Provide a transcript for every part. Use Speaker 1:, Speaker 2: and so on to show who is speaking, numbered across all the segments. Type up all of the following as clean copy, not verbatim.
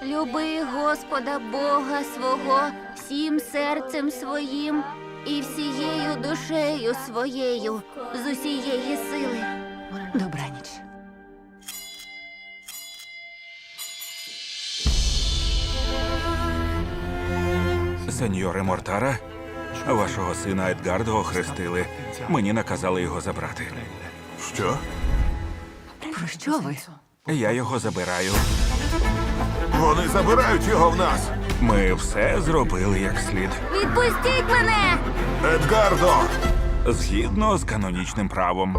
Speaker 1: Люби Господа Бога свого всім серцем своїм і всією душею своєю з усієї сили.
Speaker 2: Добраніч.
Speaker 3: Сеньоре Мортара, вашого сина Едгардо охрестили. Мені наказали його забрати.
Speaker 4: Що?
Speaker 2: Про що ви?
Speaker 3: Я його забираю.
Speaker 4: Вони забирають його в нас!
Speaker 3: Ми все зробили як слід.
Speaker 1: Відпустіть мене!
Speaker 4: Едгардо!
Speaker 3: Згідно з канонічним правом.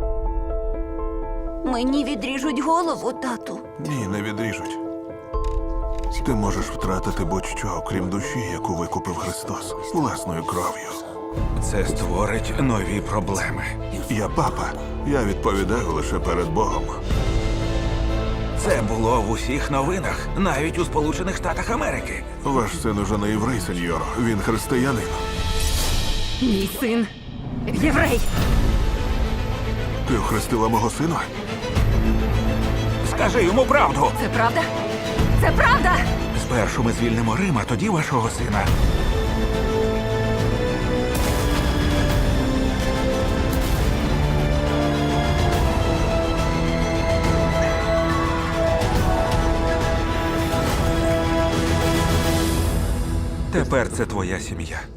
Speaker 1: Мені відріжуть голову, тату.
Speaker 4: Ні, не відріжуть. Ти можеш втратити будь-що, окрім душі, яку викупив Христос власною кров'ю.
Speaker 3: Це створить нові проблеми.
Speaker 4: Я папа. Я відповідаю лише перед Богом.
Speaker 3: Це було в усіх новинах, навіть у Сполучених Штатах Америки.
Speaker 4: Ваш син уже не єврей, сеньоро. Він християнин.
Speaker 2: Мій син єврей.
Speaker 4: Ти охрестила мого сина?
Speaker 3: Скажи йому правду.
Speaker 2: Це правда? Це правда!
Speaker 3: Спершу ми звільнимо Рим, а тоді вашого сина. Тепер це твоя сім'я.